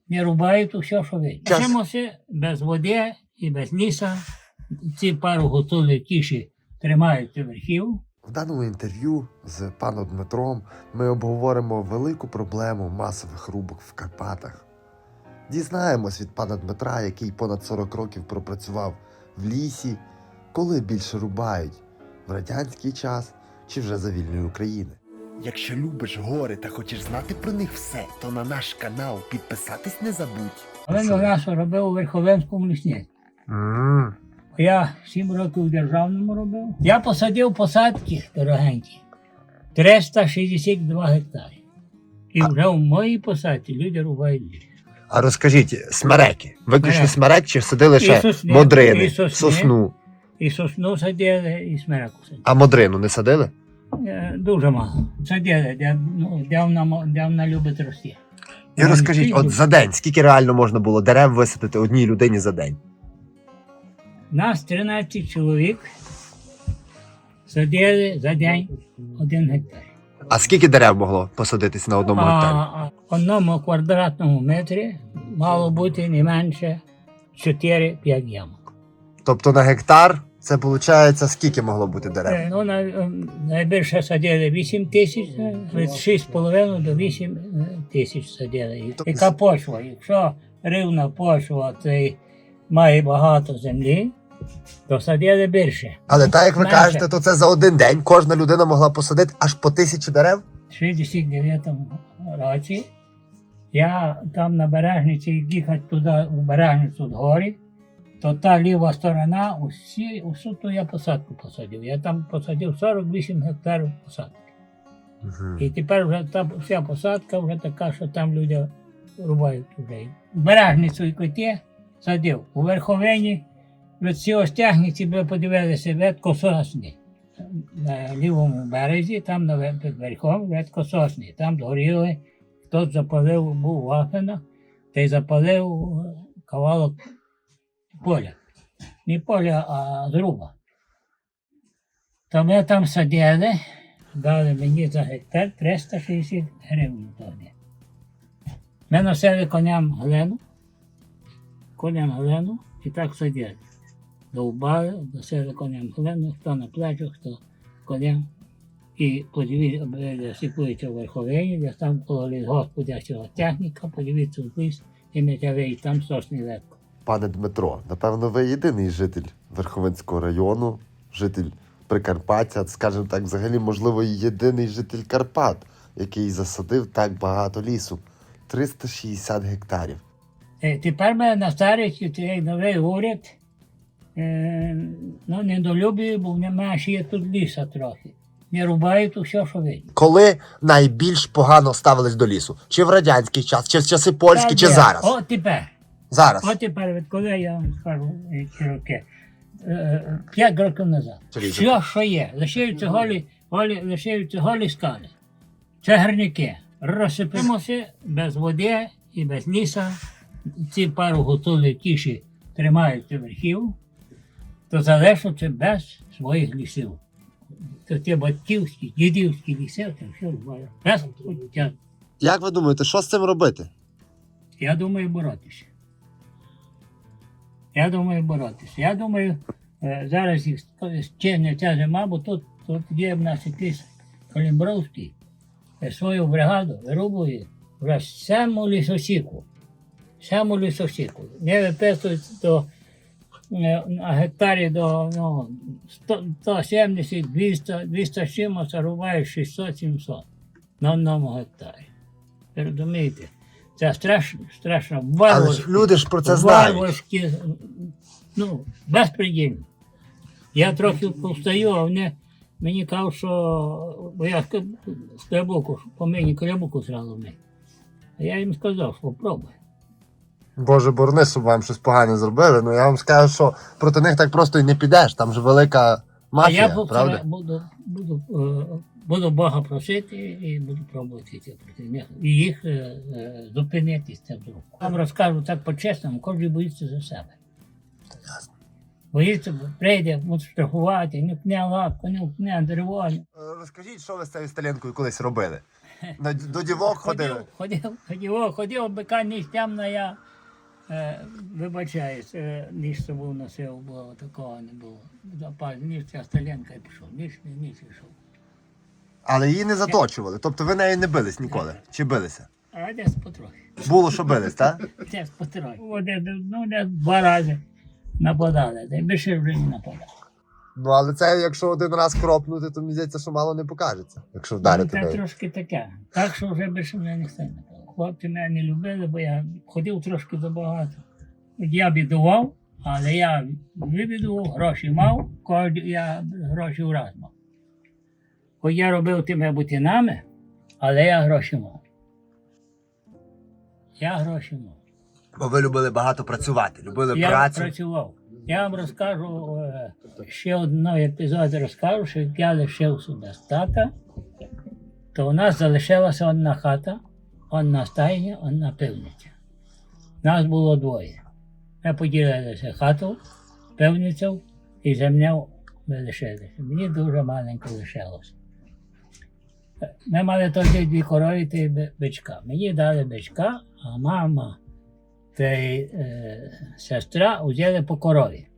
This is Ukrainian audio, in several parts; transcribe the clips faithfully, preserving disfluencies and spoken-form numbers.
не рубають усе, що видно. Час. Вчимося без води і без ліса. Ці пару гуцули тіші тримаються верхів. В даному інтерв'ю з паном Дмитром ми обговоримо велику проблему масових рубок в Карпатах. Дізнаємось від пана Дмитра, який понад сорок років пропрацював в лісі, коли більше рубають – в радянський час чи вже за вільної України. Якщо любиш гори та хочеш знати про них все, то на наш канал підписатись не забудь. Але до нас робив у Верховенському лісні. Mm. Я сім років у державному робив. Я посадив посадки дорогенькі. триста шістдесят два гектари. І вже в моїй посадці люди рубають ліс. А розкажіть, смереки. Виключно Смерек. смерек чи садили І ще сосни, модрини, і сосни. сосну? І сосну садили, і смереку садили. А модрину не садили? Е, Дуже мало. Садили, де, ну, де, вона, де вона любить рости. І розкажіть, от за день, скільки реально можна було дерев висадити одній людині за день? Нас тринадцять чоловік садили за день один гектар. А скільки дерев могло посадитись на одному А, гектарі? а в одному квадратному метрі мало бути не менше чотири-п'ять ямок. Тобто на гектар це виходить, скільки могло бути дерев? Е, Ну, най, е, найбільше садили вісім тисяч, е, від шість з половиною до вісім е, тисяч садили. І- Тобто- Яка почва? Якщо рівна почва, то й має багато землі, то садили більше. Але так, як ви Менше. кажете, то це за один день кожна людина могла посадити аж по тисячі дерев? В шістдесят дев'ятому році я там на Бережниці їхати туди, у Бережницю горі, то та ліва сторона, усі, усю ту я посадку посадив. Я там посадив сорок вісім гектарів посадки. Угу. І тепер вже та вся посадка вже така, що там люди рубають вже. В Бережницю і коті садив. У Верховині від цього стягниці ви подивилися ветко сосни. На лівому березі, там на вер- під верхом ветко сосни. Там згоріли, хтось запалив, був вафена, та й запалив е, кавалок поля. Не поля, а зруба. То ми там садили, дали мені за гектар триста шістдесят гривень тоді. Ми носили коням глину, коням глину і так садили. Довбали, носили коням глину, хто на плечах, хто коням. І подивіться, сипується в Верховині, де там коло лісгосподарського техніка, подивіться в ліс і метявий, там сосний легко. Пане Дмитро, напевно, ви єдиний житель Верховинського району, житель Прикарпаття, скажімо так, взагалі, можливо, і єдиний житель Карпат, який засадив так багато лісу. триста шістдесят гектарів. Е, Тепер ми на старості цей новий уряд е, ну, недолюблює, бо немає ще є тут ліса трохи. Не рубають усе, що видно. Коли найбільш погано ставились до лісу? Чи в радянський час, чи в часи польські, чи Та де? зараз? О, тепер. Зараз. От тепер, відколи я вам скажу ці роки, е, п'ять років назад. Чоловіче. Все, що є, лишаються голі, голі, лишаються голі скали. Це гірники. Розсипимося без води і без ліса. Ці пару гуцули тіші тримаються верхів, то залишаться без своїх лісів. То ті батьківські, дідівські ліси, це все буває. Без життя. Як ви думаєте, що з цим робити? Я думаю боротися. Я думаю боротися. Я думаю, е, зараз їх чинне ця зима, бо тут, тут є в нас якийсь Калімбровський, е, свою бригаду вирубує вже саму лісосіку. Саму лісосіку. Не виписують до, е, на гектарі до ну, сто, сто сімдесят, двісті, двісті з чимось, а рубає шістсот-сімсот на одному гектарі. Ви розумієте? Це страшно, страшно. Але ж Варварське. люди ж про це знають. Варварські, ну, безпредельно. Я трохи повстаю, а вони мені кажуть, що бо я з Клябуку, по мені Клябуку зразу в них. А я їм сказав, що попробуй. Боже, борони, щоб вам щось погане зробили, ну я вам скажу, що проти них так просто і не підеш, там же велика мафія, а я правда? буду, буду, е, буду Бога просити і буду пробувати йти проти них. І їх е, е, зупинити з цим зробом. Вам розкажу так по-чесному, кожен боїться за себе. Боїться, бо прийде, буде штрафувати, не пне лапку, не пне дерево. Розкажіть, що ви з цією сталінкою колись робили? На- До дівок ходили. Ходив, ходив, ходив, ходив, бика ніч темна, я е, вибачаюсь, е, ніч собою носив, бо такого не було. Запас, ніч ця сталінка і пішов, ніч, не ніч пішов. Але її не заточували. Тобто ви нею не бились ніколи? Чи билися? А десь потрохи. Було, що бились, так? Десь потрохи. О, десь, ну, десь два рази нападали, та й більше вже не нападали. Ну, але це, якщо один раз кропнути, то мені здається, що мало не покажеться, якщо вдарити Це нею. трошки таке. Так що вже більше мене ніхто не нападав. Хлопці мене не любили, бо я ходив трошки забагато. Я бідував, але я вибідував, гроші мав, кожен я гроші враз мав. Хоч я робив тими бутинами, але я гроші мав. Я гроші мав. Бо ви любили багато працювати, любили Я працю. працював. Я вам розкажу е, ще одного епізоду розкажу, що як я лишив сюди з тата, то у нас залишилася одна хата, одна стайня, одна пивниця. Нас було двоє. Ми поділилися хату, пивницю і землю ми лишилися. Мені дуже маленько лишилося. Ми мали тоді дві корови та й би- бичка. Мені дали бичка, а мама та й е, сестра взяли по корові.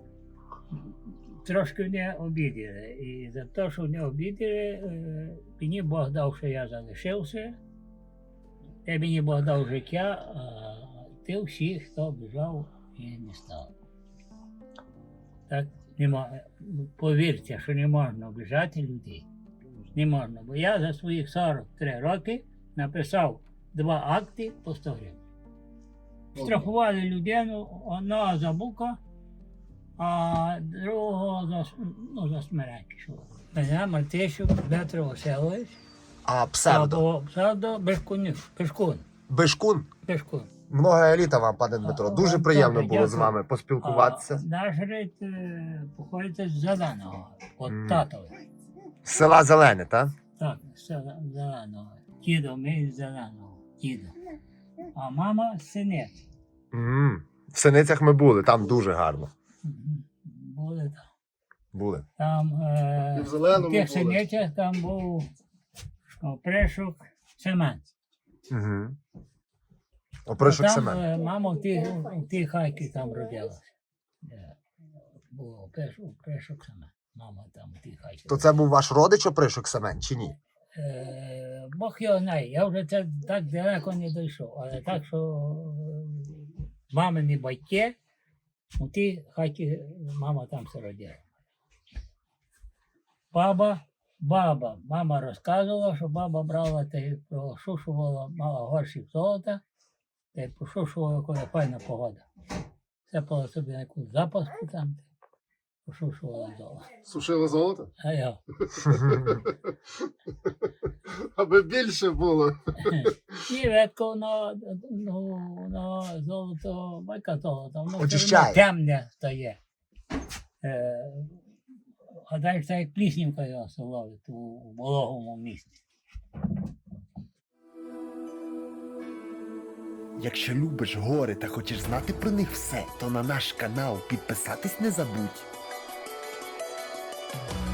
Трошки не обідали. І за те, що не обідали, е, мені Бог дав, що я залишився. Та мені Бог дав життя, а ти всіх, хто біжав, і не став. Так не мо- повірте, що не можна обіжати людей. Не можна. Бо я за своїх сорок три роки написав два акти по сто гривень. Штрафували людину, одного за бука, а другого за, с- ну, за смерть пішов. Мене Мартищук Дмитро Васильович, А псевдо? або псевдо Бешкунів, Бешкун, Бешкун? Бешкун. Много еліта вам, пане Дмитро. Дуже Вам приємно добре, було з дякую. вами поспілкуватися. А наш рід е, походить з Зеленого, от Мгм. татове. З села Зелене, так? Так, з села Зеленого. Дідо, ми з Зеленого, дідо. А мама з Синець. М. В Синицях ми були, там дуже гарно. Мгм. Були там. Були. Там е, І в Зеленому в тих були. Синецях там був опришок Семен. Угу. Опришок там Семен. е, мама в тій, в тій хаті там родилася. Е, Був опришок, опришок Семен. Мама там в тій хаті. То це був ваш родич Опришок Семен, чи ні? Е, Бог його знає, я вже це так далеко не дійшов, але так, що е, мамині батьки, у тій хаті мама там все родила. Баба, баба, мама розказувала, що баба брала та й прошушувала, мала горщик золота, та й пошушувала, коли файна погода. Сипала собі на якусь запаску там, пошушувала золото. Сушили золото? А я. Аби більше було. І ветко на, ну, на золото, байка золото, воно все Очищає. одно темне стає. Е, а далі це як пліснівка його ловить у вологому місці. Якщо любиш гори та хочеш знати про них все, то на наш канал підписатись не забудь.